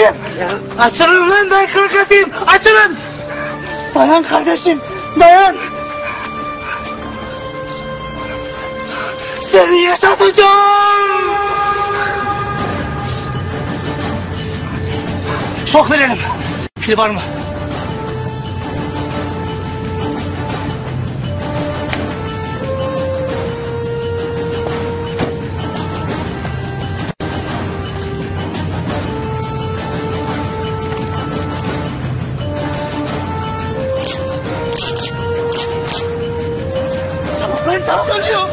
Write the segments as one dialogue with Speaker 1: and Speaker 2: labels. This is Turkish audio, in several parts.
Speaker 1: kardeşim. Açılın lan, ben kakasıyım. Açılın. Dayan kardeşim, dayan. Seni yaşatacağım. Şok verelim. Pil var mı? Tamam ölüyor.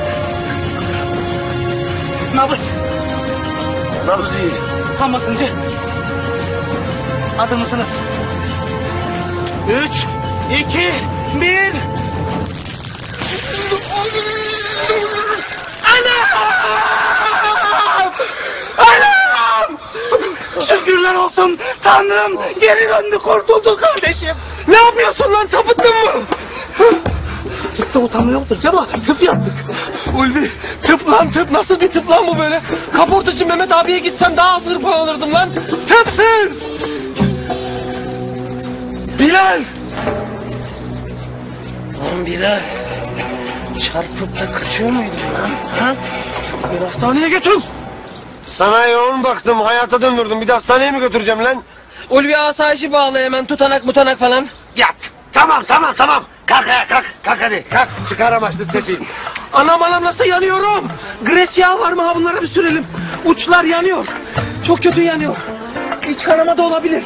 Speaker 1: Nabız.
Speaker 2: Nabız iyi.
Speaker 1: Tam basıncı. Hazır mısınız? 3, 2, 1. Anam! Anam! Şükürler olsun Tanrım, geri döndü, kurtuldu kardeşim.
Speaker 3: Ne yapıyorsun lan, sapıttın mı?
Speaker 1: Tıpta utanma yoktur Cema, tıp yaptık.
Speaker 3: Ulvi, tıp lan tıp, nasıl bir tıp lan bu böyle? Kaportacı Mehmet abiye gitsem daha az hırpalanırdım lan. Tıpsız!
Speaker 1: Bilal!
Speaker 2: Lan Bilal, çarpıp da kaçıyor muydun lan? Ha?
Speaker 3: Beni hastaneye götür.
Speaker 2: Sana yoğun baktım, hayata döndürdüm. Bir de hastaneye mi götüreceğim lan?
Speaker 3: Ulvi asayişi bağla hemen, tutanak mutanak falan.
Speaker 2: Yat. Tamam. Kalk ayağa, kalk hadi. Kalk, çıkar amaçlı sefil.
Speaker 3: Anam nasıl yanıyorum? Gres yağı var mı ha, bunlara bir sürelim. Uçlar yanıyor. Çok kötü yanıyor. İç kanama da olabilir.